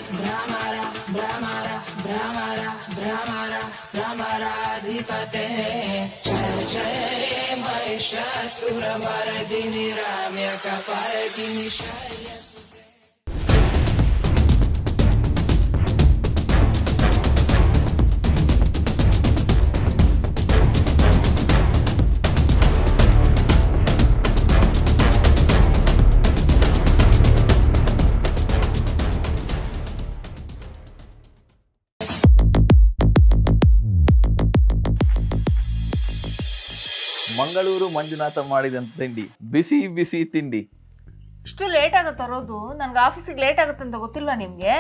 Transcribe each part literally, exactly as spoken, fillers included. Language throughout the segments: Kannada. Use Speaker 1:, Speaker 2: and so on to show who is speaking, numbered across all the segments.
Speaker 1: ಭ್ರಮರ ಭ್ರಮರ ಭ್ರಮರ ಭ್ರಮರ ಭ್ರಮರಾಧಿಪತೆ ಜಯ ಜಯ ಮಹಿಷಾಸುರಮರ್ದಿನಿ ರಮ್ಯಕಪರ್ದಿನಿ ಶೈಲಸುತೆ.
Speaker 2: ಮಂಗಳೂರು ಮಂಜುನಾಥ ಮಾಡಿದಂತ ತಿಂಡಿ, ಬಿಸಿ ಬಿಸಿ ತಿಂಡಿ.
Speaker 3: ಇಷ್ಟು ಲೇಟ್ ಆಗುತ್ತೆ ತರೋದು? ನನ್ಗೆ ಆಫೀಸಿಗೆ ಲೇಟ್ ಆಗುತ್ತೆ ಅಂತ ಗೊತ್ತಿಲ್ವಾ ನಿಮ್ಗೆ?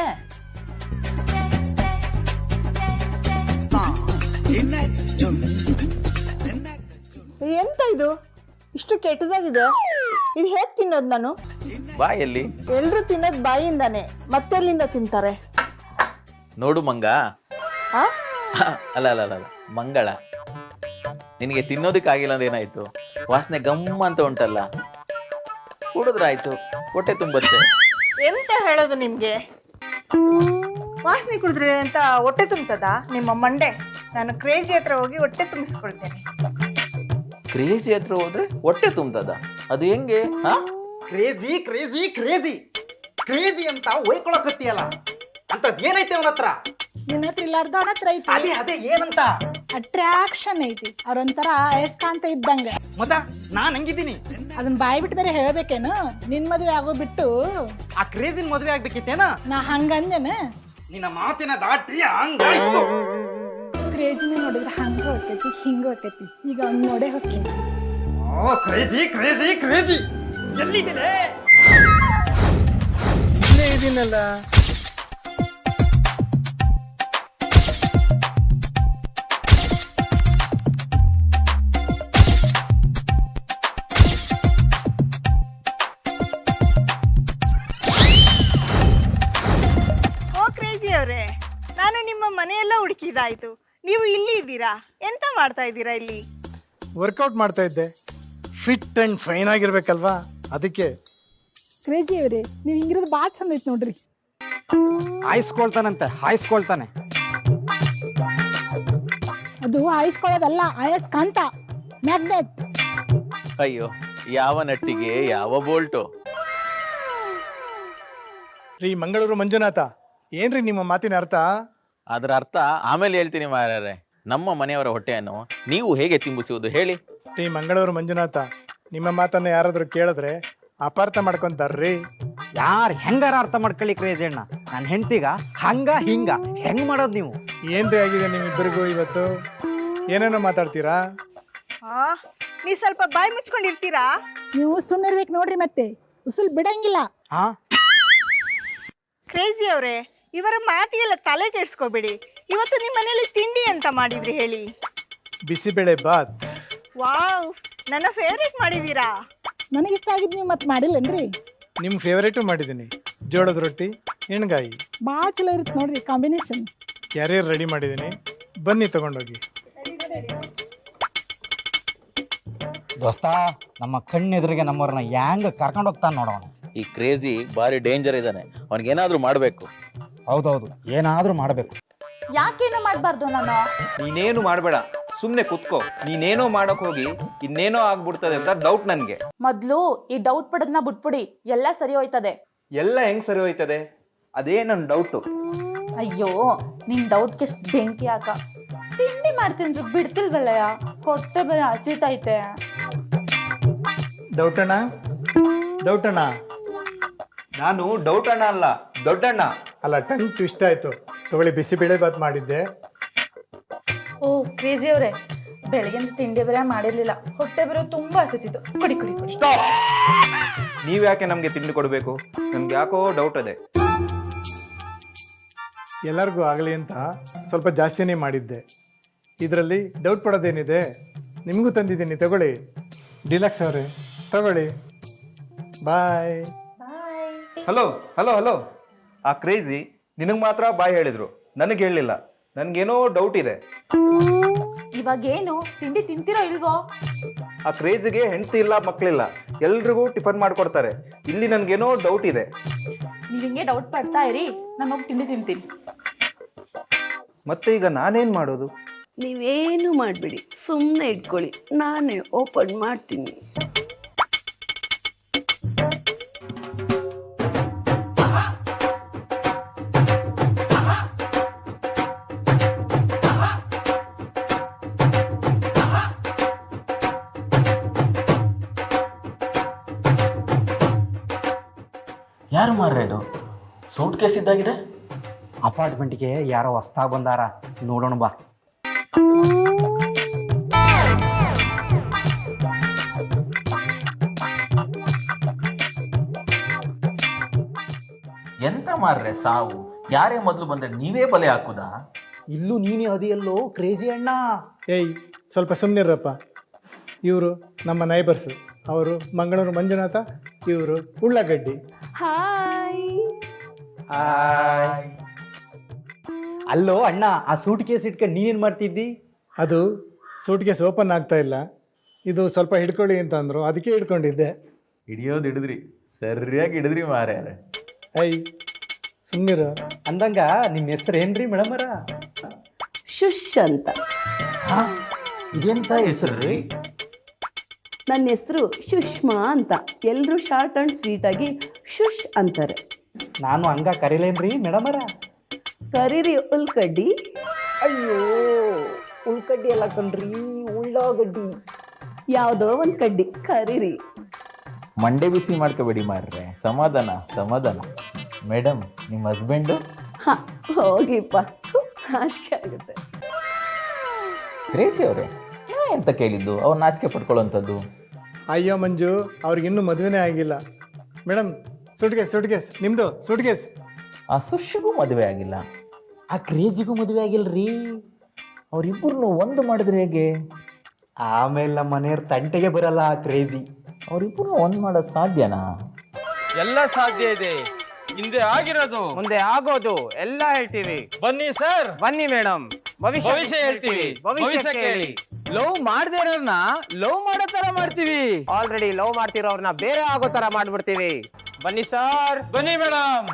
Speaker 4: ಎಂತ ಇದು ಇಷ್ಟು ಕೆಟ್ಟದಾಗಿದೆ? ಇದು ಹೇಗೆ ತಿನ್ನೋದು ನಾನು?
Speaker 2: ಬಾಯಲ್ಲಿ
Speaker 4: ಎಲ್ರು ತಿನ್ನೋದು ಬಾಯಿಂದಾನೆ, ಮತ್ತೆಲ್ಲಿಂದ ತಿಂತಾರೆ?
Speaker 2: ನೋಡು ಮಂಗ.
Speaker 4: ಆ?
Speaker 2: ಅಲ್ಲ ಅಲ್ಲ ಅಲ್ಲ ಮಂಗಳ, ನಿನಗೆ ತಿನ್ನೋದಕ್ಕಾಗಿಲ್ಲ ಅಂದ್ರೆ ಏನಾಯ್ತು? ವಾಸನೆ ಗಮ್ಮ ಅಂತ ಉಂಟಲ್ಲ, ಕುಡಿದ್ರಾಯ್ತು, ಹೊಟ್ಟೆ ತುಂಬತ್ತೆ.
Speaker 4: ಎಂತ ಹೇಳೋದು ನಿಮ್ಗೆ? ವಾಸನೆ ಕುಡಿದ್ರೆ ಅಂತ ಹೊಟ್ಟೆ ತುಂಬತದ ನಿಮ್ಮ ಮಂಡೆ? ನಾನು ಕ್ರೇಜಿ ಹತ್ರ ಹೋಗಿ ಹೊಟ್ಟೆ ತುಂಬಿಸ್ಕೊಳ್ತೇನೆ.
Speaker 2: ಕ್ರೇಜಿ ಹತ್ರ ಹೋದ್ರೆ ಹೊಟ್ಟೆ ತುಂಬತದ? ಅದು ಹೆಂಗೆ? ಹಾ,
Speaker 5: ಕ್ರೇಜಿ ಕ್ರೇಜಿ ಕ್ರೇಜಿ ಕ್ರೇಜಿ ಅಂತ ಒಯ್ಕೊಳಕತ್ತೀಯಲ್ಲ, ಅಂತದ್ ಏನೈತೆ ಅವನ ಹತ್ರ?
Speaker 6: ನಿನ್ನ ಹತ್ರ ಇಲ್ಲಾರ್ದ ಅವನ ಹತ್ರ ಐತಿ.
Speaker 5: ಅದೇ ಅದೇ ಏನಂತ?
Speaker 6: ಅಟ್ರಾಕ್ಷನ್ ಐತಿ. ಅವ್ರೊಂಥರ ಅಯಸ್ಕಾಂತ ಇದ್ದಂಗ.
Speaker 5: ಮತ್ತ ನಾನ್ ಹಂಗಿದ್ದೀನಿ,
Speaker 6: ಅದನ್ನ ಬಾಯಿ ಬಿಟ್ಟು ಬೇರೆ ಹೇಳ್ಬೇಕೇನು? ನಿನ್ ಮದುವೆ ಆಗೋ ಬಿಟ್ಟು
Speaker 5: ಆ ಕ್ರೇಜಿನ ಮದ್ವೆ ಆಗ್ಬೇಕಿತ್ತೇನ?
Speaker 6: ನಾ ಹಂಗಂದೇನ?
Speaker 5: ನಿನ್ನ ಮಾತಿನ ದಾಟಿ ಹಂಗಾಯ್ತು.
Speaker 6: ಕ್ರೇಜಿನ ನೋಡಿದ್ರೆ ಹಂಗ ಹೊಕ್ಕೈತಿ, ಹಿಂಗ ಹೊಕ್ಕೈತಿ. ಈಗ ಅವ್ನ್ ನೋಡೇ ಹೊಕ್ಕಿನ.
Speaker 5: ಓ ಕ್ರೇಜಿ ಕ್ರೇಜಿ ಕ್ರೇಜಿ ಎಲ್ಲಿದ್ದೀನೆ?
Speaker 7: ಇಲ್ಲೇ ಇದೀನಲ್ಲ.
Speaker 4: ನಾನು ನಿಮ್ಮ ಮನೆಯೆಲ್ಲ ಹುಡುಕಿದಾಯ್ತು, ನೀವು ಇಲ್ಲಿ ಇದ್ದೀರಾ? ಎಂತ ಮಾಡ್ತಾ ಇದ್ದೀರಾ ಇಲ್ಲಿ?
Speaker 7: ವರ್ಕೌಟ್ ಮಾಡ್ತಾ ಇದ್ದೆ. ಫಿಟ್ ಅಂಡ್ ಫೈನ್ ಆಗಿರ್ಬೇಕಲ್ವಾ, ಅದಕ್ಕೆ.
Speaker 6: ಕ್ರೇಜಿ ಅವ್ರಿ, ನೀವ್ ಹಿಂಗಿರೋದು ಬಾಳ ಚಂದ ಐತಿ ನೋಡ್ರಿ.
Speaker 5: ಹಾಯಿಸ್ಕೊಳ್ತಾನಂತೆ, ಹಾಯಿಸ್ಕೊಳ್ತಾನೆ.
Speaker 6: ಅದು ಆಯಿಸ್ಕೊಳ್ಳೋದಲ್ಲ, ಅಯಸ್ಕಾಂತ, ಮ್ಯಾಗ್ನೆಟ್.
Speaker 2: ಅಯ್ಯೋ, ಯಾವ ನಟ್ಟಿಗೆ ಯಾವ ಬೋಲ್ಟು?
Speaker 7: ರೀ ಮಂಗಳೂರು ಮಂಜುನಾಥ, ಏನ್ರಿ ನಿಮ್ಮ ಮಾತಿನ ಅರ್ಥ?
Speaker 2: ಅದರ ಅರ್ಥ ಆಮೇಲೆ ಹೇಳ್ತೀನಿ ಮಾರ್ಯಾರೆ. ನಮ್ಮ ಮನೆಯವರ ಹೊಟ್ಟೆಯನ್ನು ನೀವು ಹೇಗೆ ತುಂಬಿಸುವುದು ಹೇಳಿ?
Speaker 7: ರೀ ಮಂಗಳೂರು ಮಂಜುನಾಥ, ನಿಮ್ಮ ಮಾತನ್ನ ಯಾರಾದ್ರೂ ಕೇಳಿದ್ರೆ ಅಪಾರ್ಥ ಮಾಡ್ಕೊಂತಾರ್ರಿ.
Speaker 5: ಯಾರು ಹೆಂಗಾರ ಅರ್ಥ ಮಾಡ್ಕೊಳ್ಳಿ ಕ್ರೇಜಿ ಅಣ್ಣ. ನನ್ನ ಹೆಂಡತಿಗ ಹಂಗ ಹಿಂಗ ಹೆಂಗ್ ಮಾಡೋದು ನೀವು?
Speaker 7: ಏನ್ರಿ ಆಗಿದೆ ನಿಮ್ಮಿಬ್ಬರಿಗೂ ಇವತ್ತು? ಏನೇನೋ ಮಾತಾಡ್ತೀರಾ?
Speaker 4: ಆ ನೀ ಸ್ವಲ್ಪ ಬಾಯಿ ಮುಚ್ಕೊಂಡಿರ್ತೀರಾ?
Speaker 6: ನೀವು ಸುಮ್ಮನಿರ್ಬೇಕು ನೋಡ್ರಿ, ಮತ್ತೆ ಉಸುಲ್ ಬಿಡಂಗಿಲ್ಲ.
Speaker 5: ಹಾ
Speaker 4: ಕ್ರೇಜಿ ಅವರೇ, ಇವರ ಮಾತಿಗೆಲ್ಲ ತಲೆ ಕೆಡ್ಸ್ಕೋಬೇಡಿ. ಇವತ್ತು ನಿಮ್ಮ ಮನೇಲಿ ತಿಂಡಿ ಅಂತ ಮಾಡಿದ್ರಿ ಹೇಳಿ?
Speaker 7: ಬಿಸಿಬೇಳೆ ಬಾತ್.
Speaker 4: ವಾವ್, ನನ್ನ ಫೇವ್ರೇಟ್ ಮಾಡಿದೀರಾ.
Speaker 6: ನನಗಿಷ್ಟ ಆಗಿದ್ ನೀವು ಮತ್ತೆ ಮಾಡಿಲ್ಲನ್ರಿ?
Speaker 7: ನಿಮ್ಮ ಫೇವರೇಟು ಮಾಡಿದ್ದೀನಿ, ಜೋಳದ ರೊಟ್ಟಿ ಎಣ್ಗಾಯಿ.
Speaker 6: ಭಾಳ ಚಲೋ ಇರುತ್ತೆ ನೋಡ್ರಿ ಕಾಂಬಿನೇಷನ್.
Speaker 7: ಕ್ಯಾರಿಯರ್ ರೆಡಿ ಮಾಡಿದ್ದೀನಿ, ಬನ್ನಿ ತಗೊಂಡೋಗಿ.
Speaker 5: ದೋಸ್ತ, ನಮ್ಮ ಕಣ್ಣೆದುರಿಗೆ ನಮ್ಮವ್ರನ್ನ ಹೆಂಗ ಕರ್ಕೊಂಡು ಹೋಗ್ತಾನೆ ನೋಡೋಣ.
Speaker 2: ಈ ಕ್ರೇಜಿ ಬಾರಿ ಡೇಂಜರ್ ಇದ್ದಾನೆ, ಅವನಿಗೇನಾದ್ರೂ ಮಾಡಬೇಕು.
Speaker 5: ಹೌದೌದು, ಏನಾದ್ರೂ ಮಾಡ್ಬೇಕು.
Speaker 3: ಯಾಕೇನು ಮಾಡಬಾರ್ದು ನಾನು?
Speaker 8: ನೀನೇನು ಮಾಡಬೇಡ, ಸುಮ್ಮನೆ ಕುತ್ಕೋ. ನೀನೇನೋ ಮಾಡಕ್ ಹೋಗಿ ಇನ್ನೇನೋ ಆಗ್ಬಿಡ್ತದೆ ಅಂತ ಡೌಟ್ ನನ್ಗೆ.
Speaker 3: ಮೊದ್ಲು ಈ ಡೌಟ್ ಪಡೋದನ್ನ ಬಿಟ್ಬಿಡಿ, ಎಲ್ಲ ಸರಿ ಹೋಯ್ತದೆ.
Speaker 8: ಎಲ್ಲ ಹೆಂಗ್ ಸರಿ ಹೋಯ್ತದೆ? ಅದೇ ನನ್ ಡೌಟು.
Speaker 3: ಅಯ್ಯೋ, ನಿನ್ ಡೌಟ್ಗೆ ಎಷ್ಟು ಬೆಂಕಿ ಹಾಕ. ತಿಂಡಿ ಮಾಡ್ತೀನಿ ಬಿಡ್ತಿಲ್ವಲ್ಲಯ್ಯ, ಹೊಟ್ಟೆ ಬೇರೆ ಹಸಿತೈತೆ.
Speaker 7: ಡೌಟಣ್ಣ, ಡೌಟಣ್ಣ.
Speaker 8: ನಾನು ಡೌಟ್ ಅಣ್ಣ ಅಲ್ಲ, ದೊಡ್ಡಣ್ಣ.
Speaker 7: ಅಲ್ಲ, ಟಂಗ್ ಟ್ವಿಸ್ಟ್ ಆಯ್ತು. ತಗೊಳ್ಳಿ, ಬಿಸಿಬೇಳೆ ಬಾತ್ ಮಾಡಿದ್ದೆ.
Speaker 3: ಓ ಕ್ರೇಜಿ ಅವರೇ, ಬೆಳಗಿನ ತಿಂಡಿ ಬೇರೆ ಮಾಡಿರ್ಲಿಲ್ಲ, ಹೊಟ್ಟೆ ಬೇರೆ ತುಂಬಾ ಹಸಿತಿತ್ತು. ಕುಡಿ ಕುಡಿ ಕುಡಿ.
Speaker 8: ನೀವ್ ಯಾಕೆ ನಮ್ಗೆ ತಿಂಡಿ ಕೊಡ್ಬೇಕು? ನನ್ಗೆ ಯಾಕೋ ಡೌಟ್ ಅದೇ.
Speaker 7: ಎಲ್ಲರಿಗೂ ಆಗಲಿ ಅಂತ ಸ್ವಲ್ಪ ಜಾಸ್ತಿನೇ ಮಾಡಿದ್ದೆ. ಇದರಲ್ಲಿ ಡೌಟ್ ಪಡೋದೇನಿದೆ? ನಿಮಗೂ ತಂದಿದ್ದೀನಿ, ತಗೊಳ್ಳಿ. ಡಿಲಕ್ಸ್ ಅವರೇ, ತಗೊಳ್ಳಿ. ಬಾಯ್.
Speaker 8: ಹಲೋ ಹಲೋ ಹಲೋ ಆ ಕ್ರೇಜಿ ನಿನಗೆ ಮಾತ್ರ ಬಾಯ್ ಹೇಳಿದ್ರು, ನನಗೆ ಹೇಳಿಲ್ಲ. ನನ್ಗೇನೋ ಡೌಟ್ ಇದೆ.
Speaker 3: ಇವಾಗೇನು ತಿಂಡಿ ತಿಂತಿರೋ ಇಲ್ವೋ?
Speaker 8: ಆ ಕ್ರೇಜಿಗೆ ಹೆಂಡತಿ ಇಲ್ಲ, ಮಕ್ಕಳಿಲ್ಲ, ಎಲ್ರಿಗೂ ಟಿಫನ್ ಮಾಡ್ಕೊಡ್ತಾರೆ. ಇಲ್ಲಿ ನನ್ಗೇನೋ ಡೌಟ್ ಇದೆ.
Speaker 3: ನೀವು ಹಿಂಗೆ ಡೌಟ್ ಪಡ್ತಾ ಇರಿ, ನಾನು ಹೋಗಿ ತಿಂಡಿ ತಿಂತೀನಿ.
Speaker 8: ಮತ್ತೆ ಈಗ ನಾನೇನ್ ಮಾಡೋದು?
Speaker 9: ನೀವೇನು ಮಾಡಬೇಡಿ, ಸುಮ್ಮನೆ ಇಟ್ಕೊಳ್ಳಿ, ನಾನೇ ಓಪನ್ ಮಾಡ್ತೀನಿ.
Speaker 2: ಯಾರು ಮಾರ್ರೆ ಇದು? Suit case ಇದ್ದಾಗಿದೆ.
Speaker 5: ಅಪಾರ್ಟ್ಮೆಂಟ್ಗೆ ಯಾರೋ ಹೊಸ್ತಾ ಬಂದಾರ, ನೋಡೋಣ ಬಾ.
Speaker 2: ಎಂತ ಮಾರ್ರೆ ಸಾವು? ಯಾರೇ ಮೊದಲು ಬಂದ್ರೆ ನೀವೇ ಬಲೆ ಹಾಕುದಾ?
Speaker 5: ಇಲ್ಲೂ ನೀನೇ ಅದಿಯಲ್ಲೋ ಕ್ರೇಜಿ ಅಣ್ಣ.
Speaker 7: ಏಯ್ ಸ್ವಲ್ಪ ಸುಮ್ಮನಿರಪ್ಪ. ಇವರು ನಮ್ಮ ನೈಬರ್ಸು. ಅವರು ಮಂಗಳೂರು ಮಂಜುನಾಥ, ಇವರು ಉಳ್ಳಾಗಡ್ಡಿ.
Speaker 9: ಹಾಯ್.
Speaker 5: ಅಲ್ಲೋ ಅಣ್ಣ, ಆ ಸೂಟ್ ಕೇಸ್ ಇಟ್ಕೊಂಡು ನೀನೇನು ಮಾಡ್ತಿದ್ದಿ?
Speaker 7: ಅದು ಸೂಟ್ ಕೇಸ್ ಓಪನ್ ಆಗ್ತಾ ಇಲ್ಲ, ಇದು ಸ್ವಲ್ಪ ಹಿಡ್ಕೊಳ್ಳಿ ಅಂತ ಅಂದರು, ಅದಕ್ಕೆ ಹಿಡ್ಕೊಂಡಿದ್ದೆ.
Speaker 2: ಹಿಡಿಯೋದು ಹಿಡಿದ್ರಿ, ಸರಿಯಾಗಿ ಹಿಡಿದ್ರಿ ಮಾರ್ಯಾರೆ.
Speaker 7: ಐ ಸುಮ್ಮನಿರು.
Speaker 5: ಅಂದಂಗ ನಿಮ್ಮ ಹೆಸರು ಏನ್ರಿ ಮೇಡಮರ?
Speaker 9: ಶುಶ್ ಅಂತ.
Speaker 2: ಇದೆಂತ ಹೆಸರು ರೀ?
Speaker 9: ನನ್ನ ಹೆಸರು ಸುಷ್ಮಾ ಅಂತ. ಎಲ್ಲರೂ ಶಾರ್ಟ್ ಆ್ಯಂಡ್ ಸ್ವೀಟಾಗಿ ಶುಶ್ ಅಂತಾರೆ.
Speaker 5: ನಾನು ಹಂಗ ಕರೀಲೇನ್ರಿ ಮೇಡಮರ?
Speaker 9: ಕರೀರಿ ಉಲ್ಕಡ್ಡಿ.
Speaker 5: ಅಯ್ಯೋ, ಉಳ್ಕಡ್ಡಿ ಎಲ್ಲ ಕಣ್ರಿ, ಉಳ್ಳಾಗಡ್ಡಿ.
Speaker 9: ಯಾವುದೋ ಒಂದು ಕಡ್ಡಿ ಕರೀರಿ.
Speaker 2: ಮಂಡೆ ಬಿಸಿ ಮಾಡ್ಕೋಬೇಡಿ ಮಾರ್ರೆ, ಸಮಾಧಾನ ಸಮಾಧಾನ. ಮೇಡಮ್, ನಿಮ್ಮ ಹಸ್ಬೆಂಡು?
Speaker 9: ಹಾಂ, ಹೋಗಿಪ್ಪ, ನಾಚಿಕೆ ಆಗುತ್ತೆ.
Speaker 2: ಕ್ರೇಜಿ ಅವರೇ, ನಾ ಎಂತ ಕೇಳಿದ್ದು? ಅವ್ರು ನಾಚಿಕೆ ಪಡ್ಕೊಳ್ಳೋಂಥದ್ದು.
Speaker 7: ಅಯ್ಯೋ ಮಂಜು, ಅವ್ರಿಗಿನ್ನೂ ಮದುವೆನೇ ಆಗಿಲ್ಲ. Madam, suitcase suitcase ನಿಮ್ಮದು ಸೂಟ್ ಕೇಸ್.
Speaker 2: ಆ ಸುಶಿಗೂ ಮದುವೆ ಆಗಿಲ್ಲ,
Speaker 5: ಆ ಕ್ರೇಜಿಗೂ ಮದುವೆ ಆಗಿಲ್ರಿ.
Speaker 2: ಅವರಿಬ್ಬರನ್ನು ಒಂದು ಮಾಡಿದ್ರೆ ಹೇಗೆ?
Speaker 5: ಆಮೇಲೆ ನಮ್ಮ ಮನೆಯವ್ರ ತಂಟೆಗೆ ಬರಲ್ಲ ಆ ಕ್ರೇಜಿ.
Speaker 2: ಅವರಿಬ್ಬರನ್ನು ಒಂದು ಮಾಡೋದು ಸಾಧ್ಯನಾ?
Speaker 10: ಎಲ್ಲ ಸಾಧ್ಯ ಇದೆ. ಹಿಂದೆ ಆಗಿರೋದು ಮುಂದೆ ಆಗೋದು ಎಲ್ಲ ಹೇಳ್ತೀವಿ. ಬನ್ನಿ ಸರ್, ಬನ್ನಿ ಮೇಡಮ್, ಭವಿಷ್ಯ ಹೇಳ್ತೀವಿ. ಭವಿಷ್ಯ ಕೇಳಿ. ಲವ್ ಮಾಡದೇ ಇರೋರ್ನ ಲವ್ ಮಾಡೋ ತರ ಮಾಡ್ತೀವಿ. ಆಲ್ರೆಡಿ ಲವ್ ಮಾಡ್ತಿರೋರ್ನ ಬೇರೆ ಆಗೋ ತರ ಮಾಡ್ಬಿಡ್ತೀವಿ. ಬನ್ನಿ ಸರ್, ಬನ್ನಿ ಮೇಡಮ್.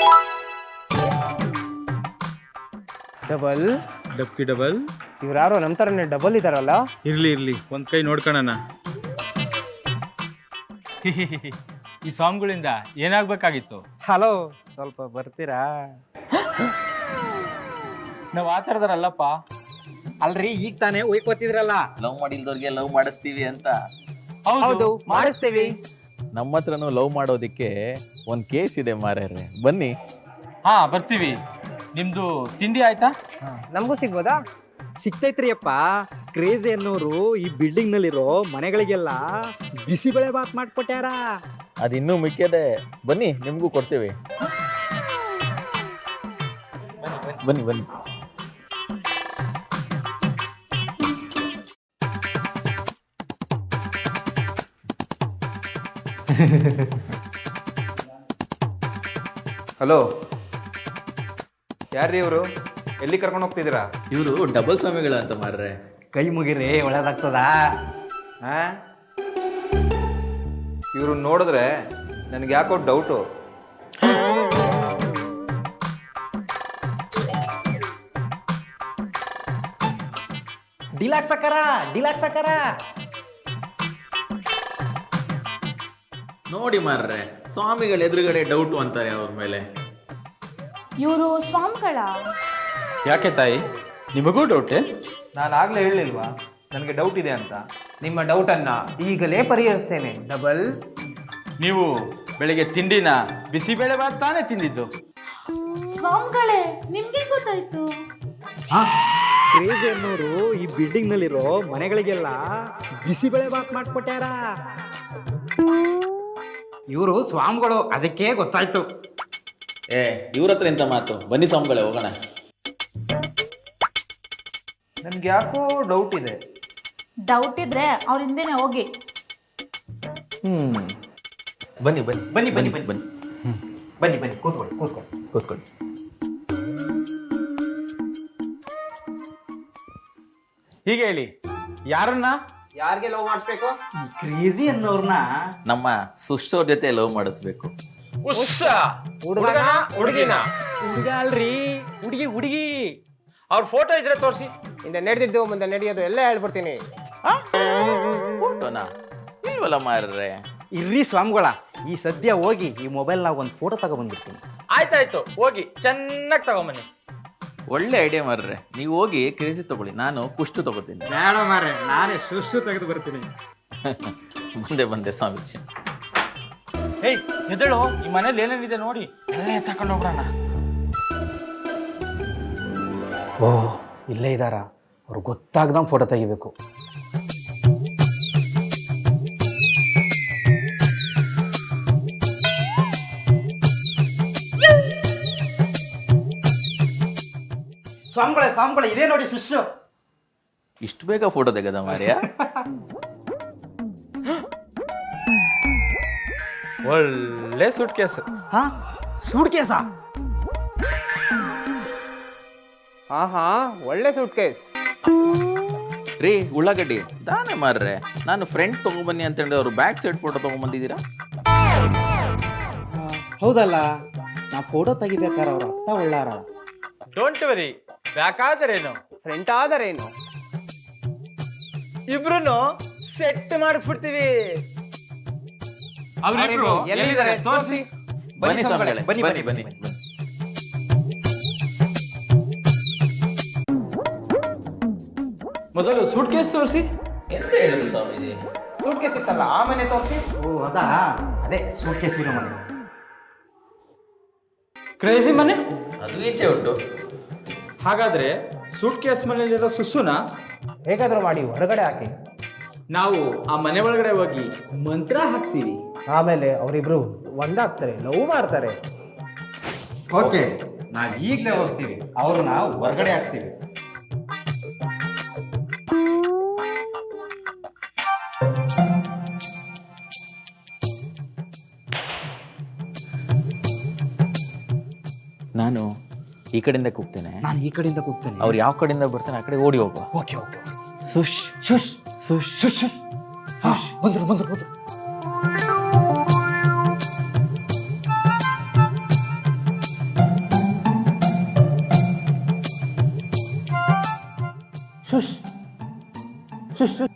Speaker 10: Double ಡಬ್ಕಿ double. ಇವ್ರು ಯಾರೋ ನಮ್ ತರನೇ ಡಬಲ್ ಇದಾರಲ್ಲ. ಇರ್ಲಿ ಇರ್ಲಿ, ಒಂದ್ ಕೈ ನೋಡ್ಕೊಳ್ಳೋಣ. ಈ ಸಾಂಗ್ಗಳಿಂದ ಏನಾಗ್ಬೇಕಾಗಿತ್ತು?
Speaker 5: ಹಲೋ, ಸ್ವಲ್ಪ ಬರ್ತೀರಾ?
Speaker 10: ನಾವ್ ಆ ಥರದರಲ್ಲಪ್ಪ.
Speaker 5: ಅಲ್ರಿ, ಈಗ ತಾನೇ ಒಯ್ಕೋತಿದ್ರಲ್ಲ.
Speaker 2: ಲವ್ ಮಾಡಿಲ್ದವ್ರಿಗೆ ಲವ್ ಮಾಡಿಸ್ತೀವಿ ಅಂತ.
Speaker 10: ಹೌದು, ಮಾಡಿಸ್ತೀವಿ.
Speaker 2: ನಮ್ಮ ಹತ್ರನೂ ಲವ್ ಮಾಡೋದಿಕ್ಕೆ ಒಂದು ಕೇಸ್ ಇದೆ ಮಾರ್ಯಾರೆ, ಬನ್ನಿ.
Speaker 10: ಹಾ, ಬರ್ತೀವಿ. ನಿಮ್ದು ತಿಂಡಿ ಆಯ್ತಾ?
Speaker 5: ನಮಗೂ ಸಿಗ್ಬೋದಾ? ಸಿಗ್ತೈತ್ರಿ ಅಪ್ಪ. ಕ್ರೇಜಿ ಅನ್ನೋರು ಈ ಬಿಲ್ಡಿಂಗ್ ನಲ್ಲಿರೋ ಮನೆಗಳಿಗೆಲ್ಲ ಬಿಸಿಬೇಳೆ ಬಾತ್ ಮಾಡ್ಕೊಟ್ಯಾರ.
Speaker 2: ಅದಿನ್ನೂ ಮಿಕ್ಕಿದೆ, ಬನ್ನಿ ನಿಮಗೂ ಕೊಡ್ತೇವೆ. ಬನ್ನಿ ಬನ್ನಿ.
Speaker 8: ಹಲೋ, ಯಾರ್ರೀ ಇವರು? ಎಲ್ಲಿ ಕರ್ಕೊಂಡು ಹೋಗ್ತಿದ್ದೀರಾ?
Speaker 2: ಇವರು ಡಬಲ್ ಸ್ವಾಮಿಗಳ ಅಂತ ಮಾರ್ರೆ.
Speaker 5: ಕೈ ಮುಗಿರಿ, ಒಳ್ಳೇದಾಗ್ತದ.
Speaker 8: ಹಾ, ಇವ್ರು ನೋಡಿದ್ರೆ ನನಗೆ ಯಾಕೋ ಡೌಟು.
Speaker 5: ಡಿಲಾಕ್ಸ್ ಅಕ್ಕಾರ, ಡಿಲಾಕ್ಸ್ ಅಕ್ಕಾರ.
Speaker 2: ನೋಡಿ ಮಾರ್ರೆ, ಸ್ವಾಮಿಗಳ ಎದುರುಗಡೆ ಡೌಟು ಅಂತಾರೆ ಅವ್ರ ಮೇಲೆ.
Speaker 3: ಇವರು ಸ್ವಾಮಿಗಳ?
Speaker 10: ಯಾಕೆ ತಾಯಿ, ನಿಮಗೂ ಡೌಟ್?
Speaker 8: ನಾನು ಆಗ್ಲೇ ಹೇಳಿಲ್ವಾ ನನಗೆ ಡೌಟ್ ಇದೆ ಅಂತ?
Speaker 10: ನಿಮ್ಮ ಡೌಟ್ ಅನ್ನ ಈಗಲೇ ಪರಿಹರಿಸ್ತೇನೆ. ಡಬಲ್, ನೀವು ಬೆಳಿಗ್ಗೆ ತಿಂಡಿನ ಬಿಸಿಬೇಳೆ ಬಾತ್ ತಾನೇ ತಿಂದಿದ್ದು?
Speaker 3: ಸ್ವಾಮಿಗಳೇ, ನಿಮ್ಗೆ ಗೊತ್ತಾಯ್ತು?
Speaker 5: ಕ್ರೇಜಿ ಅನ್ನೋರು ಈ ಬಿಲ್ಡಿಂಗ್ ನಲ್ಲಿರೋ ಮನೆಗಳಿಗೆಲ್ಲ ಬಿಸಿಬೇಳೆ ಬಾತ್ ಮಾಡ್ಕೊಟ್ಯಾರ. ಇವರು ಸ್ವಾಮಿಗಳು, ಅದಕ್ಕೆ ಗೊತ್ತಾಯ್ತು.
Speaker 2: ಏ, ಇವ್ರ ಹತ್ರ ಎಂತ ಮಾತು? ಬನ್ನಿ ಸ್ವಾಮಿಗಳೇ, ಹೋಗೋಣ.
Speaker 8: ನನ್ಗೆ ಯಾಕೋ ಡೌಟ್ ಇದೆ.
Speaker 3: ಡೌಟ್ ಇದ್ರೆ ಅವ್ರ ಹಿಂದೆನೆ ಹೋಗಿ.
Speaker 2: ಹ್ಮ್, ಬನ್ನಿ ಬನ್ನಿ
Speaker 5: ಬನ್ನಿ ಬನ್ನಿ
Speaker 2: ಬನ್ನಿ ಬನ್ನಿ
Speaker 5: ಬನ್ನಿ ಬನ್ನಿ ಕೂತ್ಕೊಳ್ಳಿ ಕೂತ್ಕೊಳ್ಳಿ
Speaker 2: ಕೂತ್ಕೊಳ್ಳಿ.
Speaker 10: ಹೀಗೆ ಹೇಳಿ, ಯಾರನ್ನ ಯಾರಿಗೆ ಲವ್ ಮಾಡಿಸ್ಬೇಕು?
Speaker 5: ಕ್ರೇಜಿ ಅನ್ನೋರ್ನ
Speaker 2: ನಮ್ಮ ಸುಷ್ಟವ್ರ ಜೊತೆ ಲವ್ ಮಾಡಿಸ್ಬೇಕು.
Speaker 10: ಉಸ್ಸ ಹುಡುಗನ ಹುಡುಗಿನ
Speaker 5: ಹುಡುಗ ಅಲ್ರಿ, ಹುಡುಗಿ ಹುಡುಗಿ.
Speaker 10: ಅವ್ರ ಫೋಟೋ ಇದ್ರೆ ತೋರಿಸಿ. ಹಿಂದೆ ನಡೆದಿದ್ದು ಮುಂದೆ ನಡೆಯೋದು ಎಲ್ಲ ಹೇಳ್ಬಿಡ್ತೀನಿ.
Speaker 2: ಫೋಟೋನಾ ಇಲ್ವಲ್ಲ ಮಾರ್ರೆ.
Speaker 5: ಇರ್ರಿ ಸ್ವಾಮಿಗಳ, ಈ ಸದ್ಯ ಹೋಗಿ ಈ ಮೊಬೈಲ್ನಾಗ ಒಂದು ಫೋಟೋ ತಗೊಬಂದಿರ್ತೀನಿ.
Speaker 10: ಆಯ್ತಾಯ್ತು, ಹೋಗಿ ಚೆನ್ನಾಗಿ ತಗೊಂಬನ್ನಿ.
Speaker 2: ಒಳ್ಳೆ ಐಡಿಯಾ ಮಾರ್ರೆ. ನೀವು ಹೋಗಿ ಕ್ರೇಜಿ ತಗೊಳ್ಳಿ, ನಾನು ಕುಷ್ಟು ತಗೋತೀನಿ.
Speaker 5: ಬೇಡ ಮಾರ್ರೆ, ನಾನೇ ಸುಷ್ಟು ತೆಗೆದು ಬರ್ತೀನಿ.
Speaker 2: ಬಂದೆ ಬಂದೆ ಸ್ವಾಮೀಜಿ.
Speaker 10: ಏಯ್ ಎದ್ದೇಳು, ಈ ಮನೇಲಿ ಏನೇನಿದೆ ನೋಡಿ ಎಲ್ಲ ಎತ್ತಕೊಂಡು ಹೋಗ್ಬಿಡೋಣ.
Speaker 5: ಓ, ಇಲ್ಲೇ ಇದ್ದಾರ, ಅವ್ರು ಗೊತ್ತಾಗ್ದಂಗೆ ಫೋಟೋ ತೆಗಿಬೇಕು. ಸ್ವಾಮಿಗಳೇ ಸ್ವಾಮಿಗಳೇ, ಇದೇ ನೋಡಿ ಶಿಷ್ಯ.
Speaker 2: ಇಷ್ಟು ಬೇಗ ಫೋಟೋ ತೆಗೆದ ಮಾರ್ಯ?
Speaker 10: ಒಳ್ಳೆ ಸೂಟ್ ಕೇಸ್.
Speaker 5: ಹಾ, ಸೂಟ್ ಕೇಸಾ?
Speaker 10: ಹಾ ಹಾ ಒಳ್ಳೆ ಸೂಟ್ ಕೇಸ್
Speaker 2: ರೀ. ಉಳ್ಳಾಗಡ್ಡಿ ದಾನೆ ಮಾರ್ರೆ. ನಾನು ಫ್ರೆಂಡ್ ತಗೊಂಬನ್ನಿ ಅಂತ ಹೇಳಿ ಅವ್ರು ಬ್ಯಾಕ್ ಸೈಡ್ ಫೋಟೋ ತಗೊಂಬಂದಿದ್ದೀರಾ?
Speaker 5: ಹೌದಲ್ಲ, ನಾ ಫೋಟೋ ತೆಗಿಬೇಕಾರ ಅವ್ರ ಅತ್ತ ಒಳ್ಳಾರ.
Speaker 10: ಡೋಂಟ್ ವರಿ, ಬೇಕಾದರೇನು ಫ್ರೆಂಟ್ ಆದರೇನು ಇಬ್ರು ಸೆಟ್ ಮಾಡಿಸ್ಬಿಡ್ತೀವಿ. ಅವ್ರಿಬ್ರು ಎಲ್ಲಿದ್ದಾರೆ ತೋರಿಸಿ.
Speaker 2: ಬನ್ನಿ ಸ್ವಾಮಿಗಳೇ, ಬನ್ನಿ ಬನ್ನಿ ಬನ್ನಿ.
Speaker 10: ಮೊದಲು ಸೂಟ್ ಕೇಸ್ ತೋರಿಸಿ.
Speaker 2: ಎಂತ ಹೇಳುದು ಸ್ವಾಮೀಜಿ?
Speaker 10: ಸೂಟ್ ಕೇಸ್ ಇತ್ತಲ್ಲ, ಆ ಮನೆ ತೋರಿಸಿ.
Speaker 5: ಓ ಅದಾ, ಅದೇ ಸೂಟ್ ಕೇಸ್ ಇರೋ ಮನೆ.
Speaker 10: ಕ್ರೇಜಿ ಮನೆ
Speaker 2: ಅದು ಈಚೆ ಉಂಟು.
Speaker 10: ಹಾಗಾದ್ರೆ ಸೂಟ್ ಕೇಸ್ ಮನೆಯಲ್ಲಿರೋ ಸುಸುನ ಹೇಗಾದ್ರೂ ಮಾಡಿ ಹೊರಗಡೆ ಹಾಕಿ, ನಾವು ಆ ಮನೆ ಒಳಗಡೆ ಹೋಗಿ ಮಂತ್ರ ಹಾಕ್ತೀವಿ. ಆಮೇಲೆ ಅವರಿಬ್ರು ಒಂದಾಗ್ತಾರೆ, ಲವ್ ಮಾಡ್ತಾರೆ.
Speaker 5: ಓಕೆ, ನಾವು ಈಗಲೇ ಹೋಗ್ತೀವಿ, ಅವ್ರನ್ನ ಹೊರಗಡೆ ಹಾಕ್ತೀವಿ.
Speaker 2: ನಾನು ಈ ಕಡೆಯಿಂದ ಕೂಗ್ತೇನೆ,
Speaker 5: ನಾನು ಈ ಕಡೆಯಿಂದ ಕೂಗ್ತೇನೆ,
Speaker 2: ಅವ್ರು ಯಾವ ಕಡೆಯಿಂದ ಬರ್ತಾನೆ ಆ ಕಡೆ ಓಡಿ ಹೋಗುವ.
Speaker 5: Okay okay.
Speaker 2: ಸುಶ್
Speaker 5: ಶುಶ್
Speaker 2: ಸುಶ್
Speaker 5: ಶುಶ್ ಶುಶ್. ಹಾ, ಬಂದ್ರು ಬಂದ್ರು ಬಂದ್ರು. ಶುಶ್ ಶುಶ್ ಶುಶ್.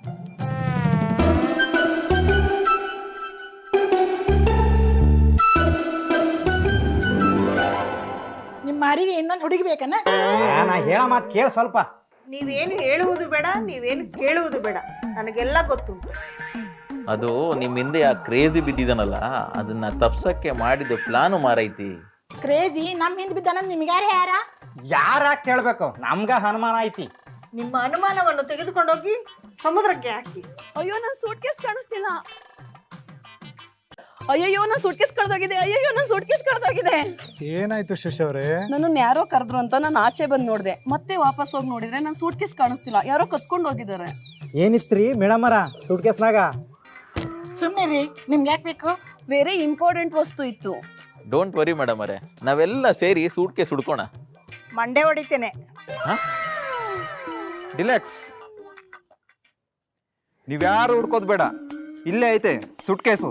Speaker 6: ನಿಮ್ಮ ಮಾರಿಗೆ ಇನ್ನೊಂದು ಹುಡುಗಿ ಬೇಕನ?
Speaker 5: ನಾ ಹೇಳ ಮಾತು ಕೇಳ ಸ್ವಲ್ಪ.
Speaker 4: ನೀವೇನು ಹೇಳುವುದು ಬೇಡ, ನೀವೇನು ಕೇಳುವುದು ಬೇಡ, ನನಗೆಲ್ಲ ಗೊತ್ತುಂಟು.
Speaker 2: ಅದು ನಿಮ್ಮ ಹಿಂದೆ ಆ ಕ್ರೇಜಿ ಬಿದ್ದಿದನಲ್ಲ, ಅದನ್ನ ತಪ್ಸಕ್ಕೆ ಮಾಡಿದ ಪ್ಲಾನು ಮಾರೈತಿ.
Speaker 6: ಕ್ರೇಜಿ ನಮ್ಮ ಹಿಂದೆ ಬಿದ್ದಾನ, ನಿಮ್ಗೆ ಯಾರು ಯಾರ?
Speaker 5: ಯಾರ ಕೇಳ್ಬೇಕು, ನಮ್ಗ ಅನುಮಾನ ಐತಿ.
Speaker 4: ನಿಮ್ಮ ಅನುಮಾನವನ್ನು ತೆಗೆದುಕೊಂಡೋಗಿ ಸಮುದ್ರಕ್ಕೆ ಹಾಕಿ.
Speaker 9: ಅಯ್ಯೋ ನನ್ನ ಸೂಟ್ ಕೇಸ್ ಕಾಣಿಸ್ತಿಲ್ಲ. ಅಯ್ಯಯ್ಯೋ ನನ್ನ ಸೂಟ್ ಕೇಸ್ ಕಳೆದೋಗಿದೆ. ಅಯ್ಯಯ್ಯೋ ನನ್ನ ಸೂಟ್ ಕೇಸ್ ಕಳೆದೋಗಿದೆ.
Speaker 7: ಏನಾಯ್ತು ಶಶಿ ಅವರೇ?
Speaker 9: ನನ್ನನ್ನು ಯಾರೋ ಕರೆದ್ರು ಅಂತ ನಾನು ಆಚೆ ಬಂದು ನೋಡಿದೆ, ಮತ್ತೆ ವಾಪಸ್ ಹೋಗಿ ನೋಡಿದ್ರೆ ನನ್ನ ಸೂಟ್ ಕೇಸ್ ಕಾಣಿಸ್ತಿಲ್ಲ, ಯಾರೋ ಕತ್ಕೊಂಡು ಹೋಗಿದ್ದಾರೆ.
Speaker 5: ಏನಿತ್ರಿ ಮೇಡಮರ ಸೂಟ್ ಕೇಸ್ನಾಗ?
Speaker 6: ಸುಮ್ಮನೆ ರೀ, ನಿಮ್ಗೆ ಯಾಕೆ ಬೇಕು?
Speaker 9: ಬೇರೆ ಇಂಪಾರ್ಟೆಂಟ್ ವಸ್ತು ಇತ್ತು.
Speaker 2: ಡೋಂಟ್ ವರಿ ಮೇಡಮ್ ಅವರೇ, ನಾವೆಲ್ಲ ಸೇರಿ ಸೂಟ್ ಕೇಸ್ ಹುಡ್ಕೋಣ.
Speaker 4: ಮಂಡೆ ಹೊಡಿತೇನೆ.
Speaker 8: ಡಿಲೆಕ್ಸ್, ನೀವ್ಯಾರು ಹುಡ್ಕೋದು ಬೇಡ, ಇಲ್ಲೇ ಐತೆ ಸೂಟ್ ಕೇಸು.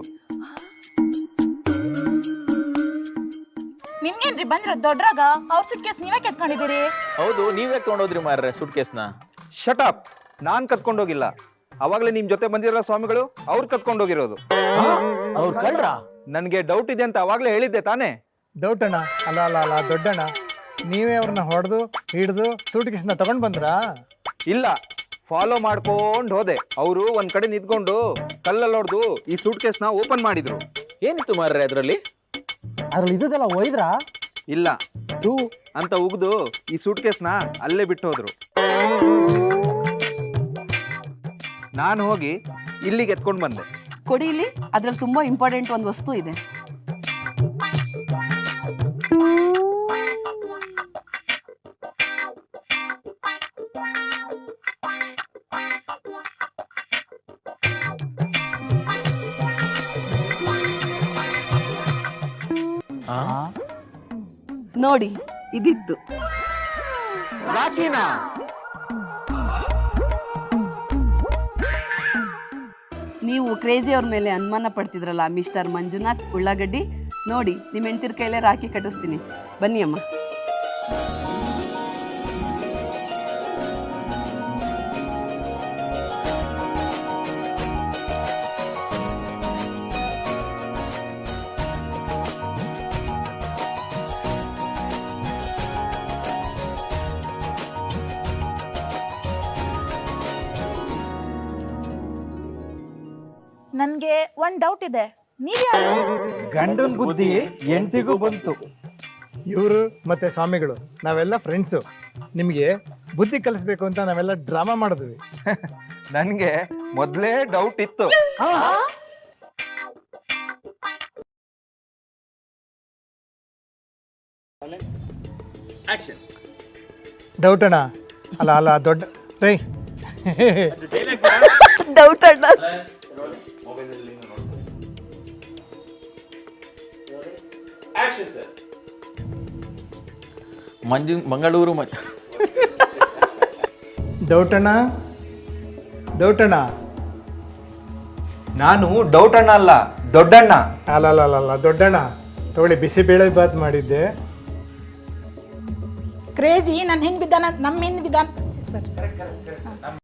Speaker 3: ನಿಮ್ಗೇನ್ರಿ ಬಂದ್ರ ದೊಡ್ಡರಾಗ ಅವ್ರ ಸುಟ್ ಕೇಸ್ ನೀವೇ ಕೆತ್ಕೊಂಡಿದ್ದೀರಿ?
Speaker 2: ಹೌದು, ನೀವೇ ತಗೊಂಡೋದ್ರಿ ಮಾರ್ರೆ ಸೂಟ್ ಕೇಸ್ನ.
Speaker 8: ಶಟ್ ಅಪ್, ನಾನ್ ಕತ್ಕೊಂಡೋಗಿಲ್ಲ. ಅವಾಗಲೇ ನಿಮ್ ಜೊತೆ ಬಂದಿರೋ ಸ್ವಾಮಿಗಳು ಅವ್ರು ಕತ್ಕೊಂಡೋಗಿರೋದು.
Speaker 2: ಅವ್ರು ಕಳ್ರ?
Speaker 8: ನನ್ಗೆ ಡೌಟ್ ಇದೆ ಅಂತ ಅವಾಗ್ಲೇ ಹೇಳಿದ್ದೆ ತಾನೇ?
Speaker 7: ಡೌಟ್ ಅಣ್ಣ, ಅಲ್ಲ ಅಲ್ಲ ಅಲ್ಲ ದೊಡ್ಡಣ್ಣ, ನೀವೇ ಅವ್ರನ್ನ ಹೊಡೆದು ಹಿಡಿದು ಸೂಟ್ ಕೇಸ್ನ ತಗೊಂಡ್ ಬಂದ್ರಾ?
Speaker 8: ಇಲ್ಲ, ಫಾಲೋ ಮಾಡ್ಕೊಂಡು ಹೋದೆ. ಅವರು ಒಂದ್ ಕಡೆ ನಿಂತ್ಕೊಂಡು ಕಲ್ಲಲ್ಲಿ ಹೊಡೆದು ಈ ಸೂಟ್ ಕೇಸ್ನ ಓಪನ್ ಮಾಡಿದ್ರು.
Speaker 2: ಏನಿತ್ತು ಮಾರ್ರೆ ಅದರಲ್ಲಿ?
Speaker 5: ಅದ್ರಲ್ಲಿ ಇದ್ದದೆಲ್ಲ ಒಯ್ದ್ರಾ?
Speaker 8: ಇಲ್ಲ, ಟೂ ಅಂತ ಉಗ್ದು ಈ ಸೂಟ್ ಕೇಸ್ನ ಅಲ್ಲೇ ಬಿಟ್ಟು ಹೋದ್ರು. ನಾನು ಹೋಗಿ ಇಲ್ಲಿಗೆ ಎತ್ಕೊಂಡು ಬಂದೆ.
Speaker 9: ಕೊಡಿ ಇಲ್ಲಿ, ಅದ್ರಲ್ಲಿ ತುಂಬಾ ಇಂಪಾರ್ಟೆಂಟ್ ಒಂದು ವಸ್ತು ಇದೆ. ನೋಡಿ, ಇದಿತ್ತು. ನೀವು ಕ್ರೇಜಿ ಅವ್ರ ಮೇಲೆ ಅನುಮಾನ ಪಡ್ತಿದ್ರಲ್ಲ ಮಿಸ್ಟರ್ ಮಂಜುನಾಥ್ ಉಳ್ಳಾಗಡ್ಡಿ, ನೋಡಿ ನಿಮ್ಮ ಹೆಂಡ್ತಿರ ಕೈಲೇ ರಾಖಿ ಕಟ್ಟಿಸ್ತೀನಿ ಬನ್ನಿ ಅಮ್ಮ.
Speaker 3: ನನ್ಗೆ ಒಂದ್ ಡೌಟ್ ಇದೆ, ನೀವ್ ಯಾರು?
Speaker 5: ಗಂಡನ ಬುದ್ಧಿ ಎಂಟಿಗೂ ಬಂತು.
Speaker 7: ಇವರು ಮತ್ತೆ ಸ್ವಾಮಿಗಳು ನಾವೆಲ್ಲ ಫ್ರೆಂಡ್ಸು. ನಿಮಗೆ ಬುದ್ಧಿ ಕಲಿಸ್ಬೇಕು ಅಂತ ನಾವೆಲ್ಲ ಡ್ರಾಮಾ ಮಾಡಿದ್ವಿ.
Speaker 8: ನನಗೆ ಮೊದಲೇ ಡೌಟ್ ಇತ್ತು.
Speaker 7: ಡೌಟ್ ಅಣ್ಣ. ಅಲ್ಲ ಅಲ್ಲ ದೊಡ್ಡ ರೈ
Speaker 9: ಡೌಟ್ ಅಣ್ಣ.
Speaker 2: ಮಂಜು ಮಂಗಳೂರು ಮ
Speaker 7: ಡೌಟ್ ಅಣ್ಣ ಡೌಟ್ ಅಣ್ಣ.
Speaker 8: ನಾನು ಡೌಟ್ ಅಣ್ಣ ಅಲ್ಲ, ದೊಡ್ಡಣ್ಣ.
Speaker 7: ಅಲ್ಲ ಅಲ್ಲ ಅಲ್ಲ ಅಲ್ಲ ದೊಡ್ಡಣ್ಣ. ತಗೊಳ್ಳಿ ಬಿಸಿಬೇಳೆ ಬಾತ್ ಮಾಡಿದ್ದೆ.
Speaker 6: ಕ್ರೇಜಿ ನನ್ನ ಹಿಂದೆ ಬಿದ್ದಾನ, ನಮ್ಮ ಹಿಂದೆ ಬಿದ್ದಾನ ಸರ್.